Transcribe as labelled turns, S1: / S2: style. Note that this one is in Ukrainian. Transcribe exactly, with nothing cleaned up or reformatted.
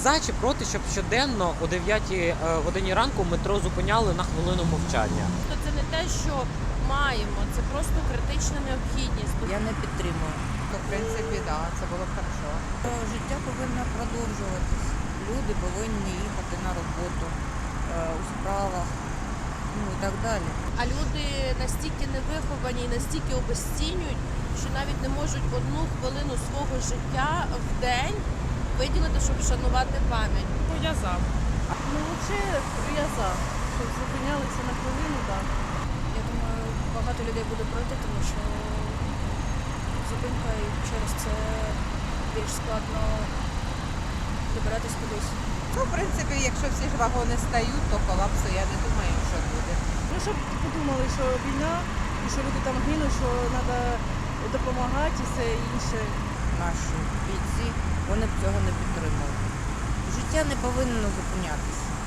S1: за чи проти, щоб щоденно о дев'ятій годині ранку метро зупиняли на хвилину мовчання?
S2: То це не те, що маємо, це просто критична необхідність.
S3: Я не підтримую.
S4: Ну, в принципі, так, да, це було б хорошо.
S3: Життя повинно продовжуватись. Люди повинні їхати на роботу е, у справах, ну і так далі.
S2: А люди настільки невиховані і настільки обезцінюють, що навіть не можуть одну хвилину свого життя в день виділити, щоб вшанувати пам'ять.
S5: Ну, я за. Ну, взагалі, я за. Щоб зупинялися на хвилину, так.
S6: Я думаю, багато людей буде проти, тому що зупинка і через це більш складно добиратись кудись.
S4: Ну, в принципі, якщо всі ж вагони стають, то колапсу я не думаю, що буде.
S5: Ну, щоб подумали, що війна, і що люди там гинуть, що треба допомагати і все інше.
S3: Наші бійці, вони б цього не підтримали. Життя не повинно зупинятися.